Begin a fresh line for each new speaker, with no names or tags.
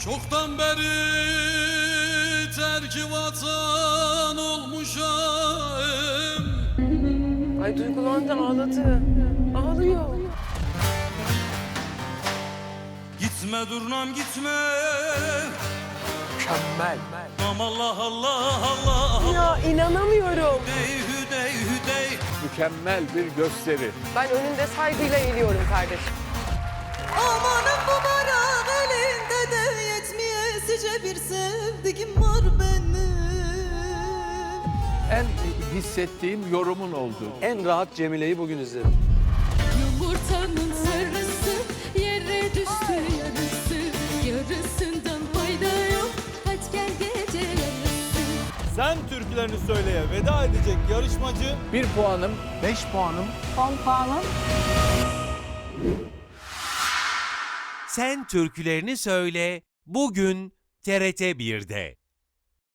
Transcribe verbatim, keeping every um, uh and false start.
Çoktan beri terk vatan olmuşam.
Ay duygulandı, ağladı. Ağlıyor.
Gitme durnam gitme.
Mükemmel.
Am Allah Allah Allah.
Ya inanamıyorum.
Hüdey hüdey hüdey.
Mükemmel bir gösteri.
Ben önünde saygıyla eğiliyorum kardeşim.
Amanın bu barak elinde de yetmeyesice bir sevdiğim var benim.
En hissettiğim yorumun oldu.
En rahat Cemile'yi bugün izledim.
Yumurtanın sarısı yere düştü yarısı. Yarısından fayda yok. Hadi gel gece yarısı.
Sen türkülerini söyleye veda edecek yarışmacı
Bir puanım, beş puanım.
Sen Türkülerini Söyle bugün T R T bir'de.